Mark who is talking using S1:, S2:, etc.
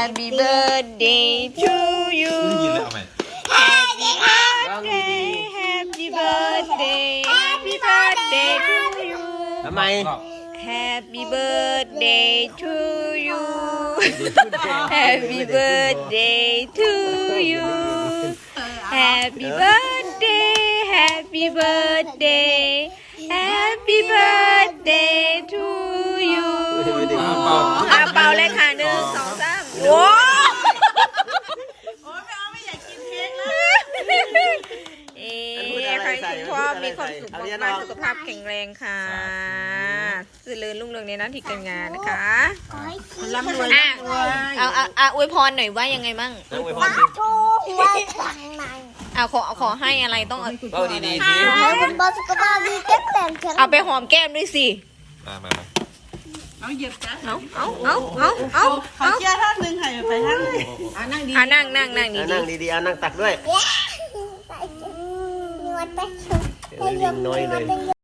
S1: Happy birthday to you
S2: ได้ยินแล้วเอาไหม
S1: Happy birthday Happy birthday Happy birthday to you
S3: ทำไม
S1: Happy birthday to you Happy birthday to you Happy birthday Happy birthday Happy birthday to you เป่าเลยค่ะ1 2 3โอ้ไม่อยากกินเค้กแล้วใครคุณพ่อมีความสุขมากๆสุขภาพแข็งแรงค่ะสื่อเลื่อนรุ่งเรืองในหน้าที่การงานนะคะร่ำรวยเอาอวยพรหน่อยว่ายังไงมั่ง
S4: ทูไว้ข้างใน
S1: ขอให้อะไรต้อง
S3: เอาดีๆดี
S4: ขอให้คุณพ่อสุขภาพดีแข็งแรงแข็ง
S1: เอาไปหอมแก้มด้วยสิ
S2: มา
S5: เอาเหยียบจ้ะ
S1: เอา
S5: เขาเชื่อท่านหนึ่งให้ไปท่านเลยนั่งดี
S1: นั่ง
S3: นั่ง
S1: ดี
S3: ดีๆเอานั่งตักด้วย
S4: นวดไปชุบ
S3: ลิงน้อยเลย